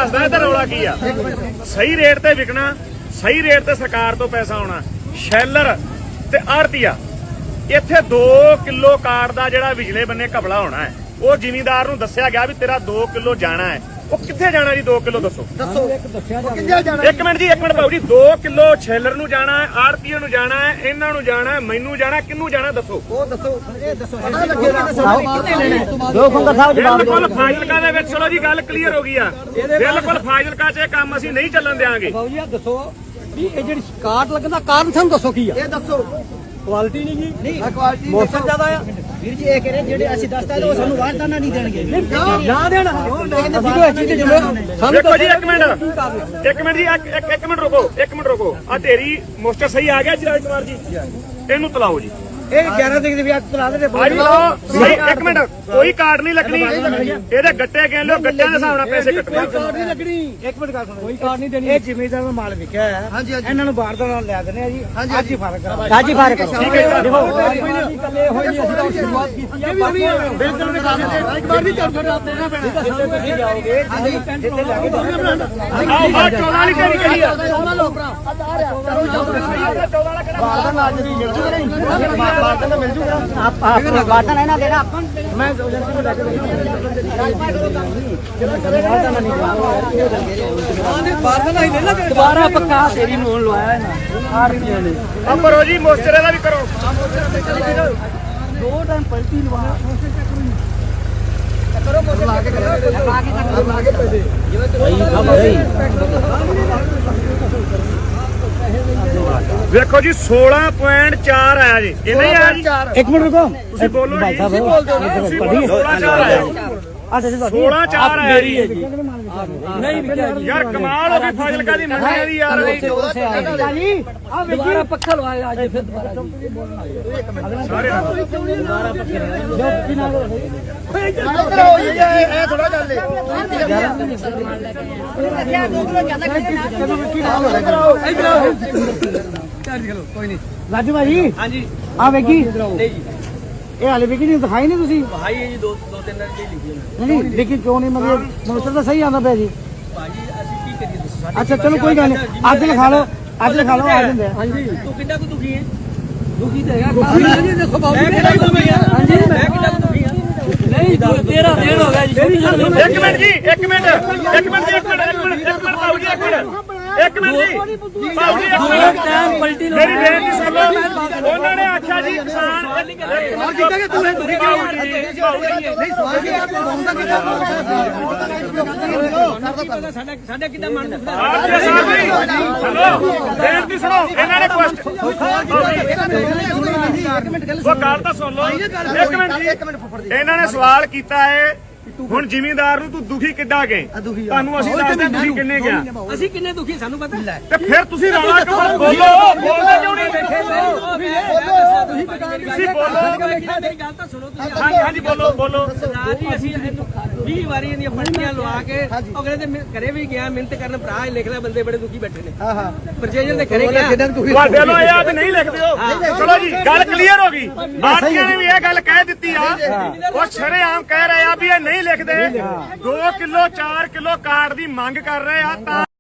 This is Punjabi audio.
ਦੱਸਦਾ ਇਹਦਾ ਰੌਲਾ ਕੀ ਆ। ਸਹੀ ਰੇਟ ਤੇ ਵਿਕਣਾ, ਸਹੀ ਰੇਟ ਤੇ ਸਰਕਾਰ ਤੋਂ ਪੈਸਾ ਆਉਣਾ। ਸ਼ੈਲਰ ਤੇ ਆੜਤੀਆ ਇੱਥੇ 2 ਕਿਲੋ ਕਾਰਡ ਦਾ ਜਿਹੜਾ ਵਿਜਲੇ ਬੰਨੇ ਘਪਲਾ ਹੋਣਾ ਹੈ, ਉਹ ਜ਼ਿਮੀਂਦਾਰ ਨੂੰ ਦੱਸਿਆ ਗਿਆ ਵੀ ਤੇਰਾ 2 ਕਿਲੋ ਜਾਣਾ ਹੈ। ਉਹ ਕਿੱਥੇ ਜਾਣਾ ਜੀ 2 ਕਿਲੋ ਦੱਸੋ। ਇੱਕ ਮਿੰਟ ਜੀ, ਇੱਕ ਮਿੰਟ ਭਾਊ ਜੀ। 2 ਕਿਲੋ ਛੇਲਰ ਨੂੰ ਜਾਣਾ ਹੈ, ਆੜਤੀਏ ਨੂੰ ਜਾਣਾ ਹੈ, ਇਹਨਾਂ ਨੂੰ ਜਾਣਾ ਹੈ, ਮੈਨੂੰ ਜਾਣਾ, ਕਿਹਨੂੰ ਜਾਣਾ ਦੱਸੋ। ਉਹ ਦੱਸੋ, ਇਹ ਦੱਸੋ ਬਿਲਕੁਲ ਫਾਜ਼ਿਲਕਾ ਦੇ ਵਿੱਚ। ਚਲੋ ਜੀ ਗੱਲ ਕਲੀਅਰ ਹੋ ਗਈ ਆ। ਬਿਲਕੁਲ ਫਾਜ਼ਿਲਕਾ 'ਚ ਇਹ ਕੰਮ ਅਸੀਂ ਨਹੀਂ ਚੱਲਣ ਦਿਆਂਗੇ। ਬਾਬੂ ਜੀ ਦੱਸੋ ਵੀ ਇਹ ਜਿਹੜੀ ਕਾਰਡ ਲੱਗਣ ਦਾ ਕਾਰਨ ਸਾਨੂੰ ਦੱਸੋ ਕੀ ਆ। ਇਹ ਦੱਸੋ ਕੁਆਲਿਟੀ ਨਹੀਂ ਜੀ, ਨਹੀਂ ਕੁਆਲਿਟੀ ਮੌਸਮ ਜ਼ਿਆਦਾ ਆ ਵੀਰ ਜੀ। ਇਹ ਕਰੇ ਜਿਹੜੇ ਅਸੀਂ ਦੱਸਦਾ ਉਹ ਸਾਨੂੰ ਵਾਰਦਾਨਾ ਨਹੀਂ ਦੇਣਗੇ। ਨਾ ਦੇਣਾ ਅਸੀਂ ਕੋਈ ਚੀਜ਼ ਸਾਨੂੰ ਦੇਖੋ ਜੀ, ਇੱਕ ਮਿੰਟ ਜੀ, ਇੱਕ ਮਿੰਟ ਰੁਕੋ, ਇੱਕ ਮਿੰਟ ਰੁਕੋ। ਆ ਢੇਰੀ ਮੋਸਟਰ ਸਹੀ ਆ ਗਿਆ ਜੀ ਰਾਜ ਕੁਮਾਰ ਜੀ, ਇਹਨੂੰ ਤਲਾਓ ਜੀ। ਇਹ 11 ਤਰੀਕ ਦੇ ਵੀ ਅੱਜ ਤਲਾ ਦੇ ਸਹੀ। ਇੱਕ ਮਿੰਟ, ਕੋਈ ਕਾਰਡ ਨਹੀਂ ਲੱਗਣੀ। ਇਹਦੇ ਗੱਟੇ ਕਹਿ ਲਿਓ, ਗੱਟਿਆਂ ਦੇ ਹਿਸਾਬ ਨਾਲ ਪੈਸੇ ਕੱਟਣੇ। ਕਾਰਡ ਨਹੀਂ ਲੱਗਣੀ। ਇੱਕ ਮਿੰਟ ਗੱਲ ਸੁਣੋ, ਕੋਈ ਕਾਰਡ ਨਹੀਂ ਦੇਣੀ। ਇਹ ਜ਼ਿਮੀਂਦਾਰ ਦਾ ਮਾਲ ਵਿਕਿਆ ਹੈ। ਇਹਨਾਂ ਨੂੰ ਵਾਰਦਾਨਾ ਲਿਆ ਦਿੰਦੇ ਆ ਜੀ। ਅੱਜ ਹੀ ਫਰਕ ਕਰੋ, ਅੱਜ ਹੀ ਫਰਕ ਕਰੋ। ਠੀਕ ਹੈ ਜੀ। ਇਕੱਲੇ ਹੋਏ ਨਹੀਂ, ਅਸੀਂ ਤਾਂ ਸ਼ੁਰੂਆਤ ਕੀਤੀ ਆ। ਬਿਲਕੁਲ ਵੀ ਗੱਲ ਨਹੀਂ। ਇੱਕ ਵਾਰ ਨਹੀਂ ਚੱਲ ਸਕਦਾ ਦੇਣਾ ਪੈਣਾ। ਤੁਸੀਂ ਜਾਓਗੇ ਇੱਥੇ ਲੈ ਕੇ ਆਹ 14 ਵਾਲੀ ਕਿਹੜੀ ਕਹੀ ਆ। ਵਾਰਦਾਨਾ ਅੱਜ ਦੀ ਮਿਲ ਜੂਗਾ ਨਹੀਂ। ਵਾਰਦਾਨਾ ਮਿਲ ਜੂਗਾ। ਆਪਾਂ ਵਾਰਦਾਨਾ ਇਹਨਾਂ ਦੇਣਾ ਆਪਾਂ ਮੈਂ ਏਜੰਸੀ ਨੂੰ ਲੈ ਕੇ ਵਾਰਦਾਨਾ ਹੀ ਦੇਣਾ। ਦੁਬਾਰਾ ਪੱਕਾ ਤੇਰੀ ਨੂੰ ਲਵਾਇਆ ਇਹਨਾਂ ਆ ਰਹੀਆਂ ਨੇ। ਆ ਕਰੋ ਜੀ, ਮੋਸਟਰ ਇਹਦਾ ਵੀ ਕਰੋ। 2 ਟਾਈਮ ਪਲਟੀ ਲਵਾਇਆ। ਵੇਖੋ ਜੀ 16.4 ਆਇਆ ਜੀ। ਇਹ ਨਹੀਂ ਆਇਆ ਜੀ। ਇੱਕ ਮਿੰਟ ਰੁਕੋ, ਤੁਸੀਂ ਬੋਲੋ ਜੀ। ਤੁਸੀਂ ਬੋਲਦੇ ਹੋ ਨਾ। 16.4 ਆਇਆ। 16.4 ਆਇਆ ਜੀ। ਨਹੀਂ ਯਾਰ ਕਮਾਲ ਹੋ ਗਈ ਫਾਜ਼ਿਲਕਾ ਦੀ ਮੰਡੀ ਦੀ ਯਾਰ। ਦੁਬਾਰਾ ਪੱਖਾ ਲਵਾਇਆ ਅੱਜ ਫਿਰ ਦੁਬਾਰਾ ਸਾਰੇ ਇਹ ਥੋੜਾ ਗੱਲ ਕੋਈ ਨਹੀਂ। ਰਾਜੂ ਭਾਜੀ ਹਾਂਜੀ ਆ ਵੇਖੀ ਨਹੀਂ ਜੀ, ਇਹ ਹਾਲੇ ਵੇਖੀ ਨਹੀਂ, ਦਿਖਾਈ ਨਹੀਂ ਤੁਸੀਂ। ਭਾਈ ਇਹ ਜੀ 2-3 ਦਿਨ ਦੀ ਲਿਖੀ ਹੈ ਨਹੀਂ ਲੇਕਿਨ ਕਿਉਂ ਨਹੀਂ, ਮਤਲਬ ਮੋਸਟਰ ਤਾਂ ਸਹੀ ਆਉਂਦਾ ਪਿਆ ਜੀ। ਭਾਜੀ ਅਸੀਂ ਕੀ ਕਰੀਏ ਦੱਸੋ। ਅੱਛਾ ਚਲੋ ਕੋਈ ਗੱਲ ਨਹੀਂ, ਅੱਜ ਲਿਖਾ ਲਓ, ਅੱਜ ਲਿਖਾ ਲਓ, ਆ ਜਾਂਦੇ ਆ। ਹਾਂਜੀ ਤੂੰ ਕਿੰਨਾ ਕੁ ਦੁਖੀ ਹੈ? ਦੁਖੀ ਤਾਂ ਹੈਗਾ ਜੀ, ਦੇਖੋ ਬਾਬੂ ਮੈਂ ਕਿੰਨਾ ਕੁ ਦੁਖੀ ਹਾਂ? ਹਾਂਜੀ ਮੈਂ ਕਿੰਨਾ ਕੁ ਦੁਖੀ ਹਾਂ? ਨਹੀਂ 13 ਦਿਨ ਹੋ ਗਿਆ ਜੀ। ਇੱਕ ਮਿੰਟ ਜੀ, ਇੱਕ ਮਿੰਟ ਭਾਊ ਜੀ, ਇੱਕ ਮਿੰਟ ਜੀ ਭਾਊ ਜੀ, ਟਾਈਮ ਪਲਟੀ ਮੇਰੀ ਬੇਨਤੀ ਸੁਣ ਲਓ। ਉਹਨਾਂ ਨੇ ਆਖਿਆ ਜੀ ਕਿਸਾਨ ਕੀਤਾ ਕਿ ਤੂੰ ਦੁਖੀ ਕਿਉਂ ਨਹੀਂ ਸਵਾਲ ਕੀ ਆਪ ਬੋਲਦਾ ਕਿ ਸਾਡਾ ਕਿੱਦਾਂ ਮਨ ਦੁਖਦਾ? ਆਪ ਜੀ ਹਲੋ, ਬੇਨਤੀ ਸੁਣੋ। ਇਹਨਾਂ ਨੇ ਉਹ ਗੱਲ ਤਾਂ ਸੁਣ ਲਓ। ਇੱਕ ਮਿੰਟ ਜੀ, ਇਹਨਾਂ ਨੇ ਸਵਾਲ ਕੀਤਾ ਹੈ ਹੁਣ ਜ਼ਿਮੀਂਦਾਰ ਨੂੰ ਤੂੰ ਦੁਖੀ ਕਿੱਦਾਂ ਗਏ? ਤੁਹਾਨੂੰ ਅਸੀਂ ਦੱਸਦੇ ਦੁਖੀ ਕਿੰਨੇ ਗਿਆ। ਅਸੀਂ ਕਿੰਨੇ ਦੁਖੀ ਸਾਨੂੰ ਪਤਾ। ਤੇ ਫਿਰ ਤੁਸੀਂ ਰੌਲਾ ਕਿਉਂ ਬੋਲੋ? ਬੋਲਦੇ ਕਿਉਂ ਨਹੀਂ? ਤੁਸੀਂ ਬੋਲੋ। ਮੇਰੀ ਗੱਲ ਤਾਂ ਸੁਣੋ ਤੁਸੀਂ। ਹਾਂਜੀ ਬੋਲੋ। ਸਰਦਾਰ ਜੀ ਅਸੀਂ 20 ਵਾਰੀ ਇਹਦੀਆਂ ਪੱਟੀਆਂ ਲਵਾ ਕੇ ਅਗਲੇ ਦੇ ਘਰੇ ਵੀ ਗਿਆ ਮਿਹਨਤ ਕਰਨ। ਭਰਾ ਇਹ ਲਿਖ ਲੈ, ਬੰਦੇ ਬੜੇ ਦੁਖੀ ਬੈਠੇ ਨੇ। ਪ੍ਰਜੇਜਨ ਦੇ ਘਰੇ ਗਿਆ। ਤੁਹਾਡੇ ਲੋ ਇਹ ਆਦ ਨਹੀਂ ਲਿਖਦੇ ਹੋ। ਚਲੋ ਜੀ ਗੱਲ ਕਲੀਅਰ ਹੋ ਗਈ। ਆਰਟੀਆਂ ਨੇ ਵੀ ਇਹ ਗੱਲ ਕਹਿ ਦਿੱਤੀ ਆ। ਉਹ ਸ਼ਰੇਆਮ ਕਹਿ ਰਹੇ ਆ ਵੀ ਇਹ ਨਹੀਂ ਲਿਖਦੇ। 2 ਕਿਲੋ 4 ਕਿਲੋ ਕਾਰਡ ਦੀ ਮੰਗ ਕਰ ਰਹੇ ਆ ਤਾਂ